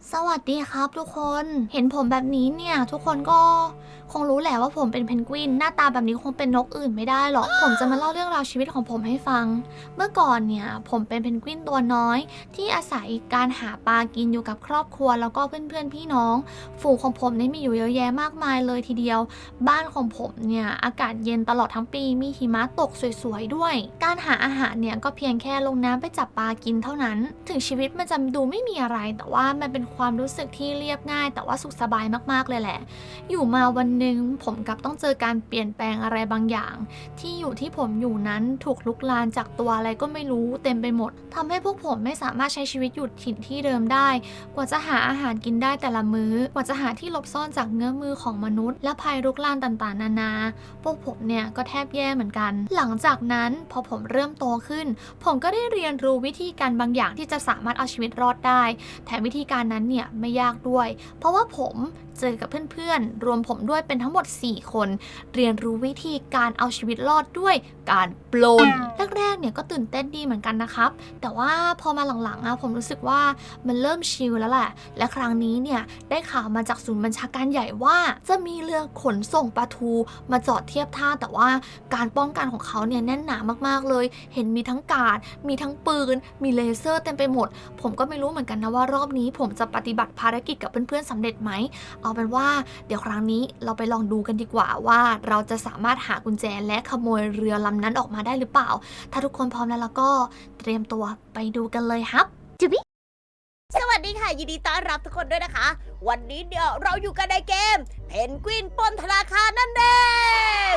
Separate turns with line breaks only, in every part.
สวัสดีครับทุกคนเห็นผมแบบนี้เนี่ยทุกคนก็คงรู้แหละว่าผมเป็นเพนกวินหน้าตาแบบนี้คงเป็นนกอื่นไม่ได้หรอกผมจะมาเล่าเรื่องราวชีวิตของผมให้ฟังเมื่อก่อนเนี่ยผมเป็นเพนกวินตัวน้อยที่อาศัยการหาปลากินอยู่กับครอบครัวแล้วก็เพื่อนๆพี่น้องฝูงของผมเนี่ยมีอยู่เยอะแยะมากมายเลยทีเดียวบ้านของผมเนี่ยอากาศเย็นตลอดทั้งปีมีหิมะตกสวยๆด้วยการหาอาหารเนี่ยก็เพียงแค่ลงน้ำไปจับปลากินเท่านั้นถึงชีวิตมันจะดูไม่มีอะไรแต่ว่ามันเป็นความรู้สึกที่เรียบง่ายแต่ว่าสุขสบายมากๆเลยแหละอยู่มาวันหนึ่งผมกลับต้องเจอการเปลี่ยนแปลงอะไรบางอย่างที่อยู่ที่ผมอยู่นั้นถูกลุกลานจากตัวอะไรก็ไม่รู้เต็มไปหมดทำให้พวกผมไม่สามารถใช้ชีวิตอยู่ถิ่นที่เดิมได้กว่าจะหาอาหารกินได้แต่ละมื้อกว่าจะหาที่หลบซ่อนจากเงื้อมือของมนุษย์และภัยลุกลานต่างๆนานาพวกผมเนี่ยก็แทบแย่เหมือนกันหลังจากนั้นพอผมเริ่มโตขึ้นผมก็ได้เรียนรู้วิธีการบางอย่างที่จะสามารถเอาชีวิตรอดได้แถมวิธีการนั้นเนี่ยไม่ยากด้วยเพราะว่าผมเจอกับเพื่อนๆรวมผมด้วยเป็นทั้งหมด4คนเรียนรู้วิธีการเอาชีวิตรอดด้วยการปล้นแรกๆเนี่ยก็ตื่นเต้นดีเหมือนกันนะครับแต่ว่าพอมาหลังๆผมรู้สึกว่ามันเริ่มชิลแล้วแหละและครั้งนี้เนี่ยได้ข่าวมาจากศูนย์บัญชาการใหญ่ว่าจะมีเรือขนส่งปลาทูมาจอดเทียบท่าแต่ว่าการป้องกันของเขาเนี่ยแน่นหนามากๆเลยเห็นมีทั้งการ์ดมีทั้งปืนมีเลเซอร์เต็มไปหมดผมก็ไม่รู้เหมือนกันนะว่ารอบนี้ผมจะปฏิบัติภารกิจกับเพื่อนๆสำเร็จไหมเอาเป็นว่าเดี๋ยวครั้งนี้เราไปลองดูกันดีกว่าว่าเราจะสามารถหากุญแจและขโมยเรือลำนั้นออกมาได้หรือเปล่าถ้าทุกคนพร้อมแล้วก็เตรียมตัวไปดูกันเลยครับจุบิ
สวัสดีค่ะยินดีต้อนรับทุกคนด้วยนะคะ วันนี้เดี๋ยวเราอยู่กันในเกมเพนกวินปล้นธนาคารนั่นเอง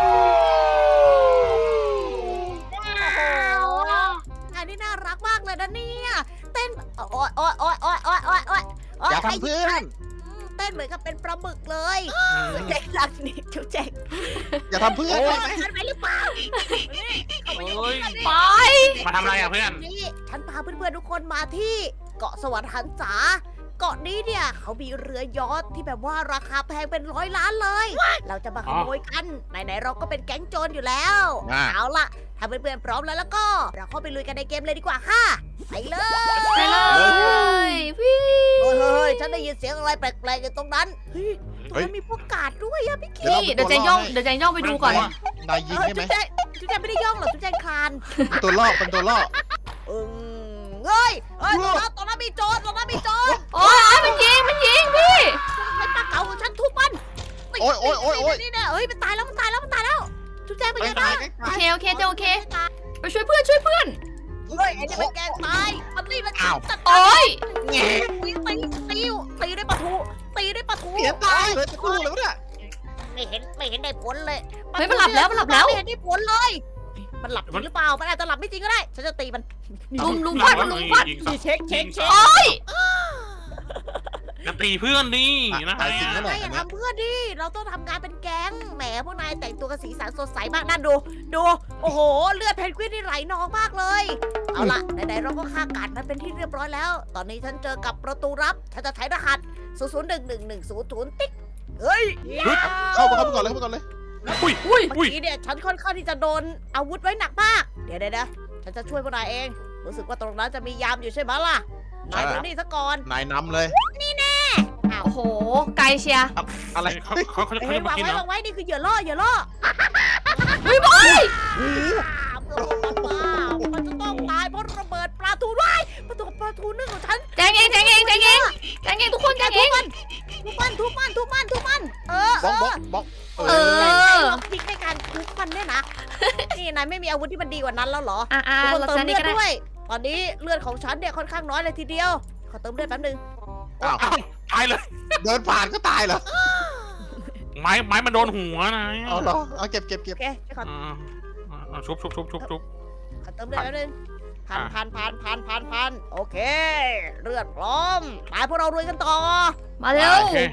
งานนี้น่ารักมากเลยนะเนี่ยเต้นโอ๊ยโอ๊ยโอ๊ยโอ๊ยโอ๊ยโอ๊ยโอ๊ยโอ๊ย
อย่าทำเพื่อน
เต้นเหมือนกับเป็นปลาหมึกเลยจุ๊บแจงรักนี่จุ๊บแจง
อย่าทำเพื่อน
โอ้
ได้
ย
ไหม
ฉันไปหรือเปล่า
โอ้ย
ไป
มาทำอะไรอ่ะเพื่อน
นี่ฉันพาเพื่อนๆทุกคนมาที่เกาะสวรรค์หันษาเกาะนี้เนี่ยเขามีเรือยอชท์ที่แบบว่าราคาแพงเป็น100 ล้านเลย เราจะมาขโมยกันไหนๆเราก็เป็นแก๊งโจรอยู่แล้ว เอาล่ะถ้าเพื่อนๆพร้อมแล้วก็เราเข้าไปลุยกันในเกมเลยดีกว่าค่ะไปเลย
ไปเลยพี่
เฮ้ยฉันได้ยินเสียงอะไรแปลกๆอยู่ตรงนั้นเฮ้ยตรงนั้นมีพวกกาดด้วยอะพี่คิ
พี่เดี๋ยวจะย่องไปดูก่อน
นายยิงได้ไหม
จุ๊บแจงไม่ได้ย่องหรอกจุ๊บแจงคลาน
เป็นตัวล่อเป็นตัวล่อ
เฮ้ยตรงนั้นมีโจรตรงนั้นมีโจร
โอ้ยมันยิงพี่
ไอ้ปลาเก๋าของฉันทุบมัน
โอ้ยโอ้ยโอ้ยโอ้ย
นี่เนี่ยเฮ้ยมันตายแล้วจุ๊บแจงเป็น
ไป
ไง
ตา
บ้าย ง
ใกล้
โอเคไปช่วยเพื่อน
เฮ้ยไอ้นี่มันแกล้งตายมันนี่มันจัด
โอ้ย
แง่
ตีด้วยปลาทูตีด้วยปลาทู
เสียตายเลยจะกู้เลยวะเนี่ย
ไม่เห็นได้ผลเลย
เฮ้ยมันหลับแล้ว
ไม่เห็นได้ผลเลย มันหลับจริงหรือเปล่ามันอาจจะหลับไม่จริงก็ได้ฉันจะตีมัน
ลุมฟัด
นี่เช็ค
โอ้ย
จะตีเพื่อนนี่นะ
ตายจริงนั่นแห
นา
ละ
ยอย่าทำเพื่อนดิเราต้องทำงานเป็นแก๊งแหมพวกนายแต่งตัวกันสีสันสดใสมากนั่นดูโอ้โหเลือดเพนกวินนี่ไหลนองมากเลยเอาล่ะไหนๆเราก็ฆ่ากัดมันเป็นที่เรียบร้อยแล้ว ตอนนี้ฉันเจอกับประตูลับฉันจะใช้รหัส001110ติ๊กเฮ้ย
เข้าไปก่อนเลย
อุ้ย
อุ้ย
เมื่อกี้เนี่ยฉันค่อนข้างที่จะโดนอาวุธไว้หนักมาก เดี๋ยวฉันจะช่วยพวกนายเอง รู้สึกว่าตรงนั้นจะมียามอยู่ใช่ไหมล่ะ นายดูนี่ซะก่อน
นายนำเลย
อ้าว
โอ้โหไกลเชียร์
อะไร
เขาจะ
เฮ้ย
มาว
าง
กิน
ไว้
เหรอ
วางไว้นี่คือเหยื่อล่อ
เฮ้ยบอย
มันจะต้องตายเพราะระเบิดปลาทูด้วยปลาทูนึ่งของฉัน
แจงเองทุกคนแจงเอง
ทุบมันเออ
บล็อกบล็อก
เออ
พลิกในการทุบมันเนี่ยนะ นี่นายไม่มีอาวุธที่มันดีกว่านั้นแล้วเหรอ
ทุกคน
เรา
เติ
เติ
ม
ม
นี่
เลือด
ก็ได้
ด้วย ตอนนี้เลือดของฉันเนี่ยค่อนข้างน้อยเลยทีเดียว ขอเติมเลือดแป๊บนึง
อ้าว
อ้าวตายเลย
เดินผ่านก็ตายเหรอ
ไม้มันโดนหัวนะ
เอาเหรอเอาเก็บ
โอเคขอ
ชุบ
ขอเติมเลือดแป๊บนึงพันโอเค เลือดพร้อมไปพวกเรารวยกันต่อ
มาเร็ว
โอเค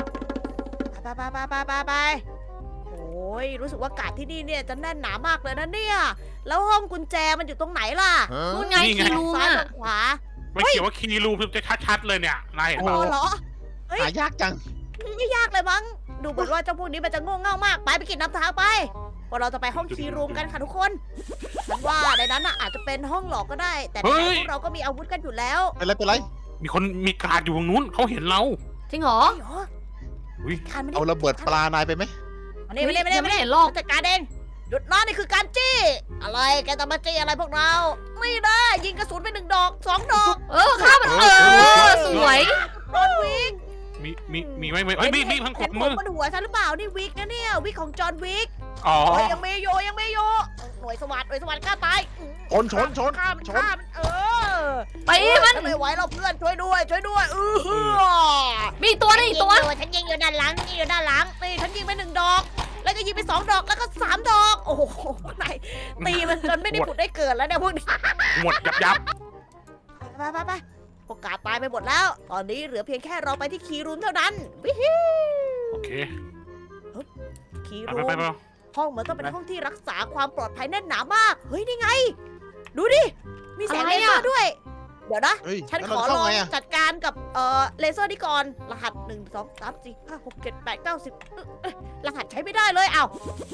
ไปโอ้ยรู้สึกว่ากาดที่นี่เนี่ยจะแน่นหนามากเลยนะเนี่ย แล้วห้องกุญแจมันอยู่ตรงไหนล่ะ
นู่นไงคีรู
ซ้าย
อ่ะ
หรือขวา
ไม่เขียนว่าคีรูจะชัดๆเลยเนี่ยนายเห็น
อ๋
เปล่า
อเหรอ เฮ้ย
หายากจัง
ไม่ยากเลยมั้ง ดูเหมือนว่าเจ้าพวกนี้มันจะโง่เง่ามาก ไปกินน้ำทางไปพวกเราจะไปห้องคีย์รูมกันค่ะทุกคน ฉันว่าในนั้นน่ะอาจจะเป็นห้องหลอกก็ได้ แต่ในนั้นพวกเราก็มีอาวุธกันอยู่แล้ว
เป็นไร
มีคนมีการ์ดอยู่ตรงนู้นเขาเห็นเรา
จริงเหรอ
เหรอ
อุ๊ย
การมัน
เอาระเบิดปลานายไปไหม
มานี่มานี่มานี่
ยัง
มา
ไม่
นี่
เห็นหรอก
จัดการเองหยุดนะนี่คือการจี้ อะไรแกจะมาจี้อะไรพวกเรา ไม่ได้ยิงกระสุนไป1 ดอก 2 ดอก
ฆ่ามันสวย
โดนวิก
มีไหมเอ้ยมีทั้งข
เห็
ด
นผ
มื
ม
อบ
นหัวฉันหรือเปล่านี่วิกนะเนี่ยวิกของจอห์นวิก
อ๋อ
โอ้ยยังไม่โยหน่วยสวัสดิ์ฆ่าตาย
ชน
ฆ่ามัน
ไปมัน
ฉันไม่ไหวแล้วเพื่อนช่วยด้วย
มีตัวนึงอีกตัว
ฉันยิงอยู่ด้านหลังนี่ฉันยิงไป1 ดอก แล้วก็ยิงไป2 ดอกแล้วก็3 ดอก โอ้โหไหนตีมันจนไม่ได้ผุดได้เกิดแล้วเนี่ยพวกนี้
หมดยับ
ไปพวกกาตายไปหมดแล้ว ตอนนี้เหลือเพียงแค่เราไปที่คีย์รูมเท่านั้นวิฮิ
โอเค
คีย์
ไป
รูม
ไป
ห้องเหมือนต้องเป็นห้องที่รักษาความปลอดภัยแน่นหนามาก เฮ้ยนี่ไง ดูดิ มีแสง
อะไร
เล
อะ
เซอร์ด้วย เดี๋ยวนะ
เฮ้ย
ฉัน
แล้ว
ขอ
เรา
ล
เข้า
อง
ไงอะ
จัดการกับเลเซอร์นี่ก่อน รหัส 1 2 3 4 5 6 7 8 9 10รหัสใช้ไม่ได้เลยอ้าว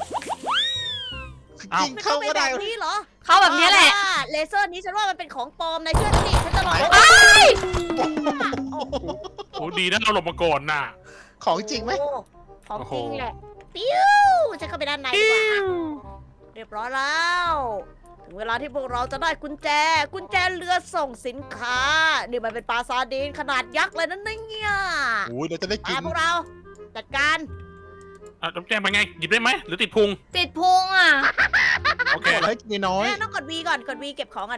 ยิงเข้า
ไม่
ก็
แบ
ได้
บนี้เหรอ
เข้าแบบนี้แหละ
เลเซอร์นี้ฉันว่ามันเป็นของปลอมนายเชื่อฉันดิฉันจะลอง
โอ้ดีนะเราหลบมาก่อนน่ะ
ของจริงไหม
โอ้ของจริง
โอ้โห
แหละปิ้วฉันเข้าไปด้านในดีกว่าเรียบร้อยแล้วถึงเวลาที่พวกเราจะได้กุญแจเรือส่งสินค้า นี่มันเป็นปลาซาร์ดีนขนาดยักษ์เลยนั่นเนี่ย
โอ้ยเราจะได้กิ
มาน พวกเราจัดการ
อ่ะต้องแจ้งไปไงหยิบได้ไหมหรือติดพุง
ติดพุงอ่ะ
โอเค
ขออะไรให้กินน้อย
แม่ต้องกด V ก่อนกด V เก็บของกัน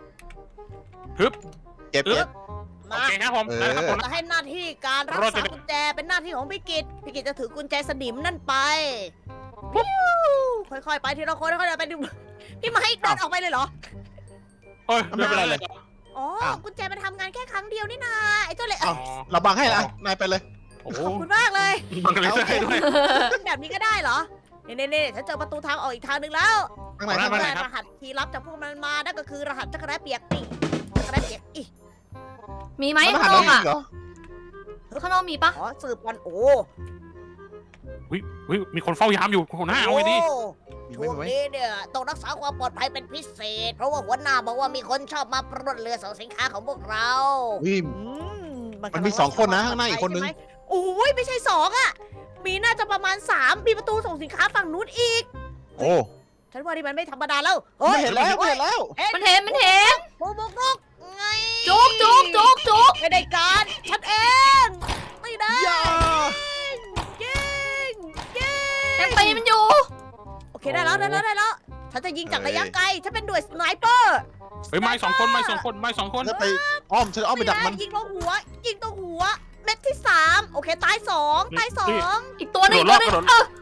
เก็บ
เออ
เก็บ
โอ
มา
เคครับผม
เออ
ได้ครับผม
จะให้หน้าที่การรัก
เรา
ษา
จะ
กุญแจเป็นหน้าที่ของพี่กิตจะถือกุญแจสนิมนั่นไปปิ้วค่อยๆไปทีละคนค่อยๆไปดูพี่ไม้เดินออกไปเลยเหรอ
เอ้ยไม่เป็นไรเลย
อ๋อ
อ้าว
กุญแจมันทำงานแค่ครั้งเดียวนี่นาไอ้เจ้าเล็ก
อ้าว เราบังให้ละนายไปเลย
โอ้โห
ขอบคุณมากเลย
บังกันเลยใช่ด้วย
แบบนี้ก็ได้เหรอนี่ฉันเจอประตูทางออกอีกทางหนึ่งแล้ว
ข้างใน
เอา
ข้าง
ไป
ใน
ไหน
รหัสที่รับจากพวกมันมานั่นก็คือรหัสจักรแร้เปียกปีจักรแร้เปียกอี
มีไหม
มัน
ข้าง
หัน
น
แล้
อ
ว
ก
ยิ
อ่ะ
งเหรอ
ข้างนอกมีปะ
ขอสืบกันโอ้
วิมีคนเฝ้ายามอยู่หัวหน้าเอาไว้ดิ
มีไหม
ช่วง
มีไหม
นี้เนี่ยต้องรักษาความปลอดภัยเป็นพิเศษ เพราะว่าหัวหน้าบอกว่ามีคนชอบมาปล้นเรือส่งสินค้าของพวกเรา
วิม มันมี2คนนะข้างหน้าอีกคนนึง
ใช่ไหมโอ้ยไม่ใช่2อ่ะ มีน่าจะประมาณ3มีประตูส่งสินค้าฝั่งนู้นอีก
โอ้
ฉันว่านี่มันไม่ธรรมดาแล้ว
ไม่เห็นแล้วไม่เห็นแล้ว
มันเห็น
บุกไง
จุก
ไม่ได้การฉันเอง ไม่ได้
อย่า
ยิง
ยังตีมันอยู่
โอเคได้แล้วฉันจะยิงจากระยะไกลฉันเป็นหน่วยสไนเปอร์
เฮ้ยไม้สองคน
แล้วไปอ้อมฉันอ้อมไปดักมัน
ยิงตรงหัวเม็ดที่3โอเคตาย2ตาย2
อีกตัวหนึง
กระโดดรอบ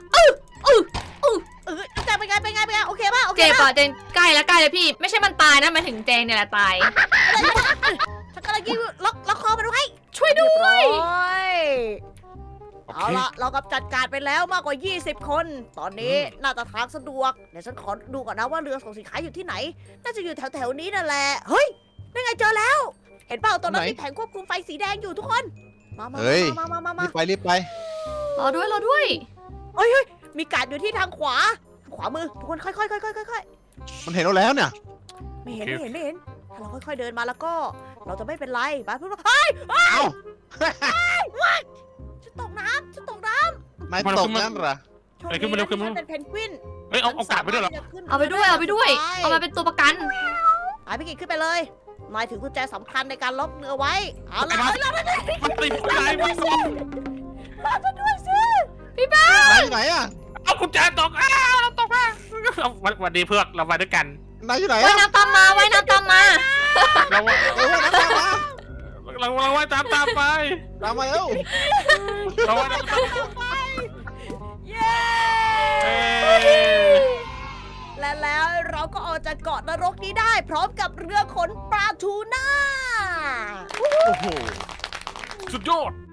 แต่เป็นไงโอเคป่ะโอเค
เจ็บ
ป่ะ
อ่ะเจนใกล้แล้วพี่ไม่ใช่มันตายนะมันถึงเจนเนี่ยแหละตาย
ฉันกำลังยิงล็อกคอมันไว้
ช่วยด้วย
โอ
เอา
เค
ละเรากับจัดการไปแล้วมากกว่า 20 คน ตอนนี้น่าจะทางสะดวกเดี๋ยวฉันขอดูก่อนนะว่าเรือส่งสินค้าอยู่ที่ไหน น่าจะอยู่แถวๆนี้นั่นแหละเฮ้ยนั่นไงเจอแล้ว เห็นเปล่าตอนนั้น
ไหน
มีแผงควบคุมไฟสีแดงอยู่ทุกคน มา
เฮ้ย
มา
รีบไป
รอด้วย
เฮ้ยมีการดอยู่ที่ทางขวามือทุกคนค่อยๆ
มันเห็นเราแล้วเนี่ย
ไม่เห็นถ้าเราค่อยๆเดินมาแล้วก็ เราจะไม่เป็นไรบ้าพูดว่าเฮ้ย
เอ้า
ฉันตกน้
นายตกนั่นเหรอ
ำโชคดีนะที่ฉันเป็นเพนกวิน
เฮ้ยเอากาดไปด้วยเหรอ
เอาไปด้วยเอามาเป็นตัวประกัน
ไปพี่กิจขึ้นไปเลยนายถือกุญแจสำคัญในการล็อกเรือไว้เอาละ
มันติดใจมัน
รอฉันด้วยสิ
นายอยู่ไหนอะ
เอากุญแจตกตกมาวันดีเพื่อนเราไปด้วยกัน
นายอยู่ไหน
ว่าย
อะ
น้ำตามมา
เรา
น้ำตามมา
เราว่ายตามไป
ตามมาแล้ว
เราว่ายตามไป
เย้ และแล้วเราก็ออกจากเกาะนรกนี้ได้ พร้อมกับเรือขนปลาทูน่า
โอ้โห
สุดยอด